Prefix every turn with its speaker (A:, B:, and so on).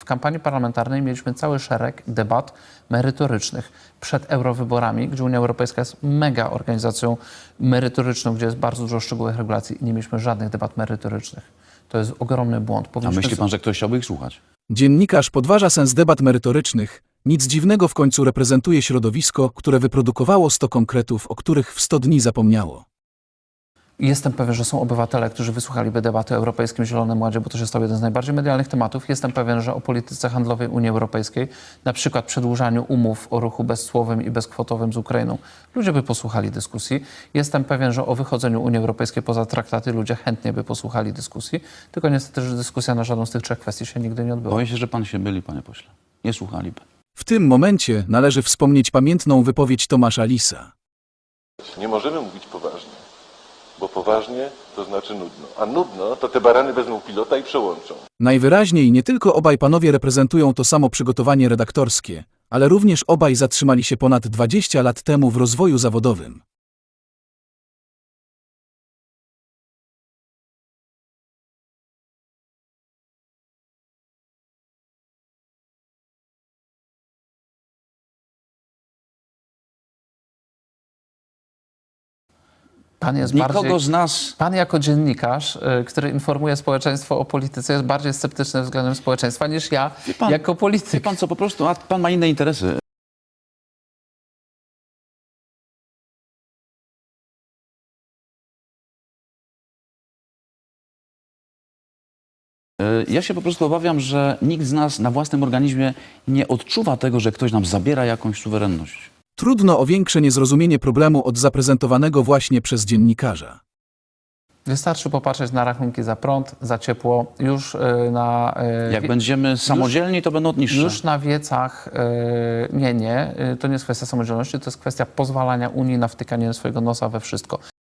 A: kampanii parlamentarnej mieliśmy cały szereg debat merytorycznych. Przed eurowyborami, gdzie Unia Europejska jest mega organizacją merytoryczną, gdzie jest bardzo dużo szczegółowych regulacji i nie mieliśmy żadnych debat merytorycznych. To jest ogromny błąd.
B: A myśli pan, że ktoś chciałby ich słuchać?
C: Dziennikarz podważa sens debat merytorycznych. Nic dziwnego, w końcu reprezentuje środowisko, które wyprodukowało 100 konkretów, o których w 100 dni zapomniało.
A: Jestem pewien, że są obywatele, którzy wysłuchaliby debaty o Europejskim Zielonym Ładzie, bo to się stał jeden z najbardziej medialnych tematów. Jestem pewien, że o polityce handlowej Unii Europejskiej, na przykład przedłużaniu umów o ruchu bezcłowym i bezkwotowym z Ukrainą, ludzie by posłuchali dyskusji. Jestem pewien, że o wychodzeniu Unii Europejskiej poza traktaty ludzie chętnie by posłuchali dyskusji, tylko niestety, że dyskusja na żadną z tych trzech kwestii się nigdy nie odbyła.
B: Boję się, że pan się myli, panie pośle. Nie słuchaliby.
C: W tym momencie należy wspomnieć pamiętną wypowiedź Tomasza Lisa.
D: Nie możemy mówić poważnie, bo poważnie to znaczy nudno, a nudno to te barany wezmą pilota i przełączą.
C: Najwyraźniej nie tylko obaj panowie reprezentują to samo przygotowanie redaktorskie, ale również obaj zatrzymali się ponad 20 lat temu w rozwoju zawodowym.
A: Pan jest
B: Nikogo
A: bardziej...
B: z nas...
A: Pan jako dziennikarz, który informuje społeczeństwo o polityce, jest bardziej sceptyczny względem społeczeństwa niż ja
B: pan,
A: jako polityk.
B: Wie pan co, po prostu, a pan ma inne interesy. Ja się po prostu obawiam, że nikt z nas na własnym organizmie nie odczuwa tego, że ktoś nam zabiera jakąś suwerenność.
C: Trudno o większe niezrozumienie problemu od zaprezentowanego właśnie przez dziennikarza.
A: Wystarczy popatrzeć na rachunki za prąd, za ciepło. Już na...
B: Jak będziemy samodzielni, to będą niższe.
A: Już na wiecach to nie jest kwestia samodzielności, to jest kwestia pozwalania Unii na wtykanie swojego nosa we wszystko.